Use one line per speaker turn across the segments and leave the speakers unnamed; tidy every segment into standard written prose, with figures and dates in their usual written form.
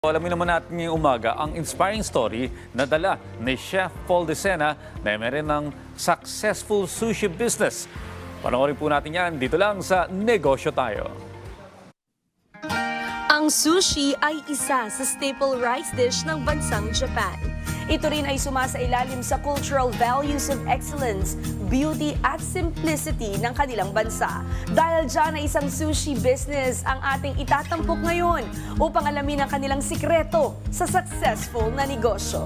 Alamin naman natin ngayong umaga ang inspiring story na dala ni Chef Paul Decena na may rin ng successful sushi business. Panoorin po natin yan dito lang sa Negosyo Tayo.
Ang sushi ay isa sa staple rice dish ng bansang Japan. Ito rin ay sumasailalim sa cultural values of excellence, beauty at simplicity ng kanilang bansa. Dahil dyan ay isang sushi business ang ating itatampok ngayon upang alamin ang kanilang sikreto sa successful na negosyo.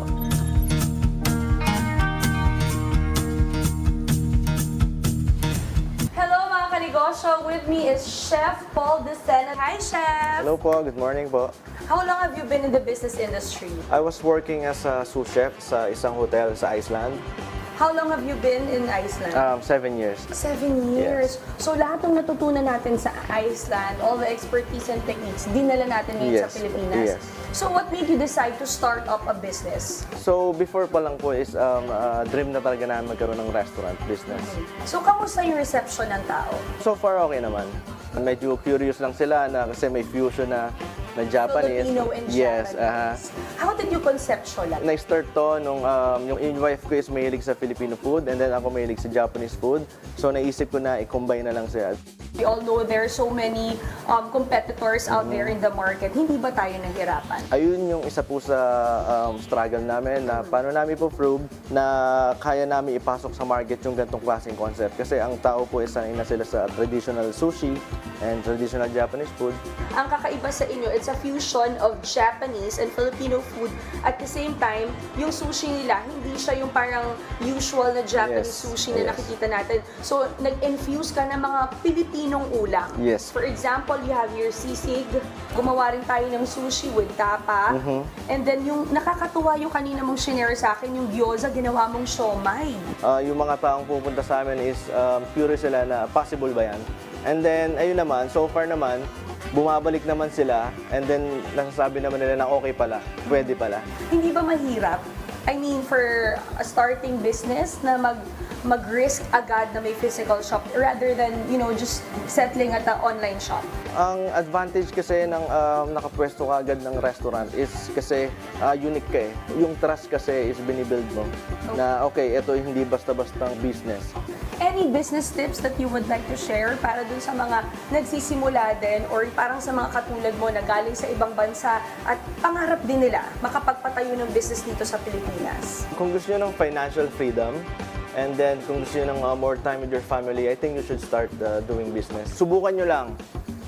Hello mga kanegosyo, with me is Chef Paul Decena. Hi Chef!
Hello po, good morning po.
How long have you been in the business industry?
I was working as a sous chef sa isang hotel sa Iceland.
How long have you been in Iceland?
7 years.
7 years. So lahat ng natutunan natin sa Iceland, all the expertise and techniques, dinala natin ngayon sa Pilipinas.
Yes.
So what made you decide to start up a business?
So before pa lang po is dream na talaga namin magkaroon ng restaurant business.
So kamusta yung reception ng tao?
So far okay naman. Medyo curious lang sila na kasi may fusion na Japanese.
Filipino and
Yes.
Japanese. How did you conceptualize?
Na-start to nung yung wife ko is mahilig sa Filipino food and then ako mahilig sa Japanese food. So naisip ko na i-combine na lang siya.
We all know there are so many competitors out there in the market. Hindi ba tayo nahirapan?
Ayun yung isa po sa struggle namin na paano namin po prove na kaya namin ipasok sa market yung gantong klaseng concept. Kasi ang tao po is sanay na sila sa traditional sushi and traditional Japanese food.
Ang kakaiba sa inyo, it's a fusion of Japanese and Filipino food. At the same time, yung sushi nila, hindi siya yung parang usual na Japanese
Yes.
sushi na
Yes.
nakikita natin. So, nag-infuse ka ng mga Pilipinong ulam.
Yes.
For example, you have your sisig. Gumawa rin tayo ng sushi with tapa. And then, yung nakakatuwa yung kanina mong shinare sa akin, yung gyoza, ginawa mong siomai.
Yung mga taong pupunta sa amin is curious sila na possible ba yan? And then, ayun naman, so far naman, bumabalik naman sila and then nasasabi naman nila na okay pala, pwede pala.
Hindi ba mahirap? I mean, for a starting business na mag-risk agad na may physical shop rather than, just settling at an online shop?
Ang advantage kasi ng nakapwesto ka agad ng restaurant is kasi unique ka eh. Yung trust kasi is binibuild mo na okay, ito hindi basta-bastang business.
Any business tips that you would like to share para dun sa mga nagsisimula din or parang sa mga katulad mo na galing sa ibang bansa at pangarap din nila makapagpatayo ng business dito sa Pilipinas?
Kung gusto nyo ng financial freedom, and then kung gusto nyo ng more time with your family, I think you should start doing business. Subukan nyo lang.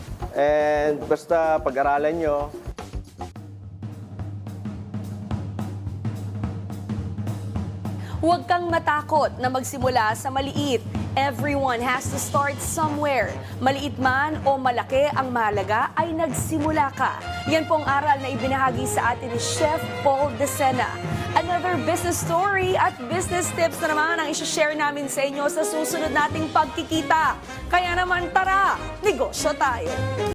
And basta pag-aralan nyo.
Huwag kang matakot na magsimula sa maliit. Everyone has to start somewhere. Maliit man o malaki, ang mahalaga ay nagsimula ka. Yan pong aral na ibinahagi sa atin ni Chef Paul Decena. Another business story at business tips na naman ang isi-share namin sa inyo sa susunod nating pagkikita. Kaya naman tara, negosyo tayo!